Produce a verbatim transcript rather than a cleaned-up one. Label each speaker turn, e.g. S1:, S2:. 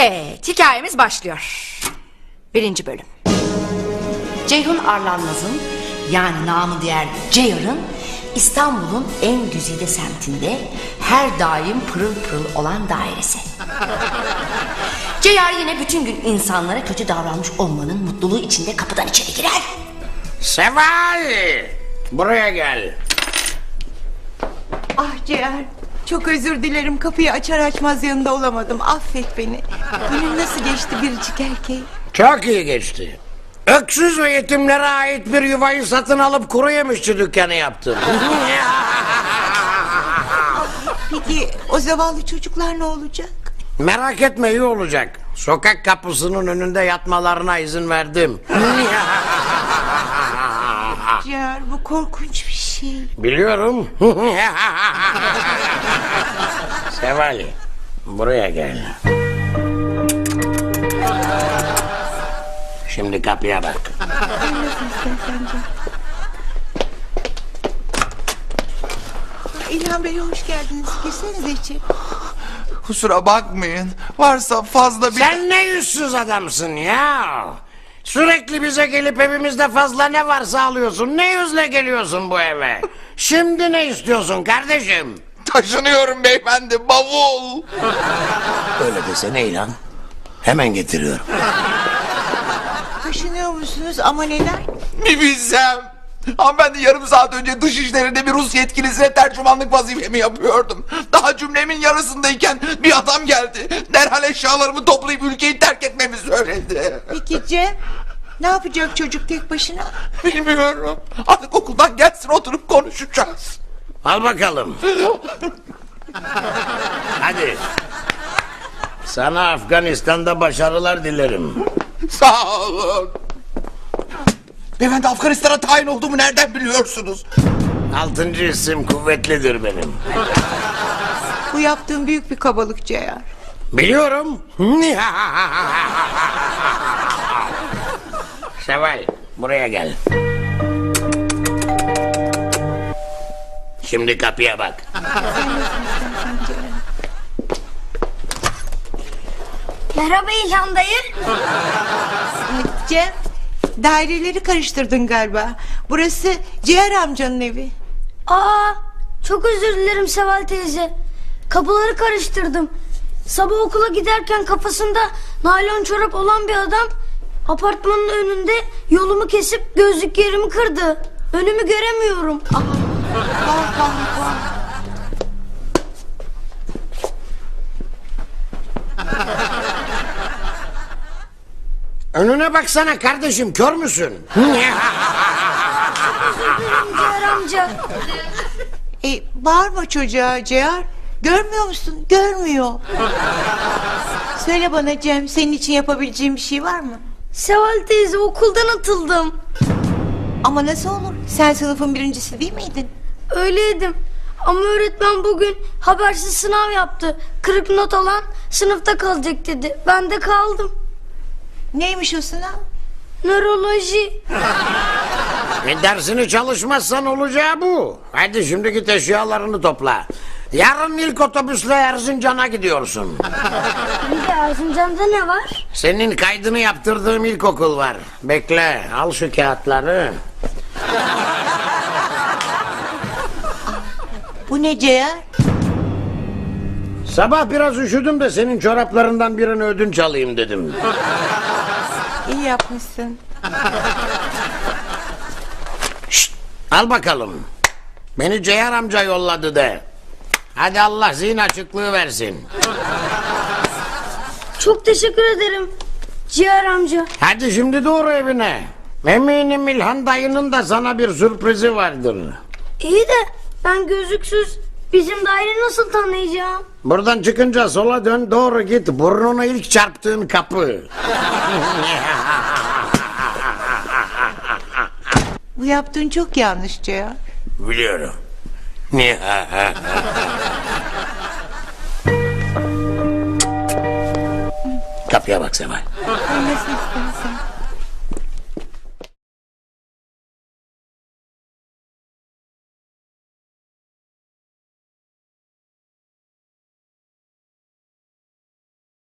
S1: Evet, hikayemiz başlıyor. Birinci bölüm. Ceyhun Arlanmaz'ın, yani namı diğer Ceyar'ın, İstanbul'un en güzide semtinde her daim pırıl pırıl olan dairesi. Ceyar yine bütün gün insanlara kötü davranmış olmanın mutluluğu içinde kapıdan içeri girer.
S2: Seval! Buraya gel.
S3: Ah Ciğer, çok özür dilerim, kapıyı açar açmaz yanında olamadım, affet beni. Günün nasıl geçti biricik erkeği?
S2: Çok iyi geçti. Öksüz ve yetimlere ait bir yuvayı satın alıp kuru yemişçi dükkanı yaptım.
S3: Peki o zavallı çocuklar ne olacak?
S2: Merak etme, iyi olacak. Sokak kapısının önünde yatmalarına izin verdim.
S3: Ciğer, bu korkunç bir şey.
S2: Biliyorum. Seval, buraya gel. Şimdi kapıya bak.
S3: İlhan Bey, hoş geldiniz. Girsenize içeri.
S4: Kusura bakmayın. Varsa fazla bir...
S2: Sen ne yüzsüz adamsın ya. Sürekli bize gelip evimizde fazla ne varsa alıyorsun. Ne yüzle geliyorsun bu eve? Şimdi ne istiyorsun kardeşim?
S4: Taşınıyorum beyefendi, bavul.
S2: Öyle desene İlhan. Hemen getiriyorum.
S3: Taşınıyor musunuz, ama neden?
S4: Bir bilsem. Hanımefendi, yarım saat önce dış işlerinde bir Rus yetkilisine tercümanlık vazifemi yapıyordum. Daha cümlemin yarısındayken bir adam geldi. Derhal eşyalarımı toplayıp ülkeyi terk etmemi söyledi.
S3: Peki Cem, ne yapacak çocuk tek başına?
S4: Bilmiyorum. Artık okuldan gelsin, oturup konuşacağız.
S2: Al bakalım. Hadi. Sana Afganistan'da başarılar dilerim.
S4: Sağ olun. Beyefendi, Afganistan'a tayin olduğumu nereden biliyorsunuz?
S2: Altıncı isim kuvvetlidir benim.
S3: Bu yaptığın büyük bir kabalık Ciğer.
S2: Biliyorum. Seval, buraya gel. Şimdi kapıya bak.
S5: Merhaba İlhan dayı.
S3: Cem, daireleri karıştırdın galiba. Burası Ciğer amcanın evi.
S5: Aa, çok özür dilerim Seval teyze. Kapıları karıştırdım. Sabah okula giderken kafasında naylon çorap olan bir adam apartmanın önünde yolumu kesip gözlüklerimi kırdı. Önümü göremiyorum.
S3: Vah vah vah.
S2: Önüne baksana kardeşim, kör müsün?
S5: Ciğer amca.
S3: E, bağırma çocuğa Ciğer. Görmüyor musun? Görmüyor. Söyle bana Cem, senin için yapabileceğim bir şey var mı?
S5: Seval teyze, okuldan atıldım.
S3: Ama nasıl olur? Sen sınıfın birincisi değil miydin?
S5: Öyleydim. Ama öğretmen bugün habersiz sınav yaptı. Kırık not alan sınıfta kalacak dedi. Ben de kaldım.
S3: Neymiş o sınav?
S5: Nöroloji.
S2: E, dersini çalışmazsan olacağı bu. Hadi şimdi git eşyalarını topla. Yarın ilk otobüsle Erzincan'a gidiyorsun.
S5: Bir de Erzincan'da ne var?
S2: Senin kaydını yaptırdığım ilkokul var. Bekle, al şu kağıtları.
S3: Bu ne Ciğer?
S2: Sabah biraz üşüdüm de senin çoraplarından birini ödünç alayım dedim.
S3: İyi yapmışsın.
S2: Şşt, al bakalım. Beni Ceyhan amca yolladı de. Hadi Allah zihin açıklığı versin.
S5: Çok teşekkür ederim Ciğer amca.
S2: Hadi şimdi doğru evine. Eminim İlhan dayının da sana bir sürprizi vardır.
S5: İyi de ben gözlüksüz bizim daire nasıl tanıyacağım?
S2: Buradan çıkınca sola dön, doğru git. Burnunu ilk çarptığın kapı.
S3: Bu yaptığın çok yanlış Ciğer.
S2: Biliyorum. Kapıya bak Seval.
S3: Ay, nasıl istersen.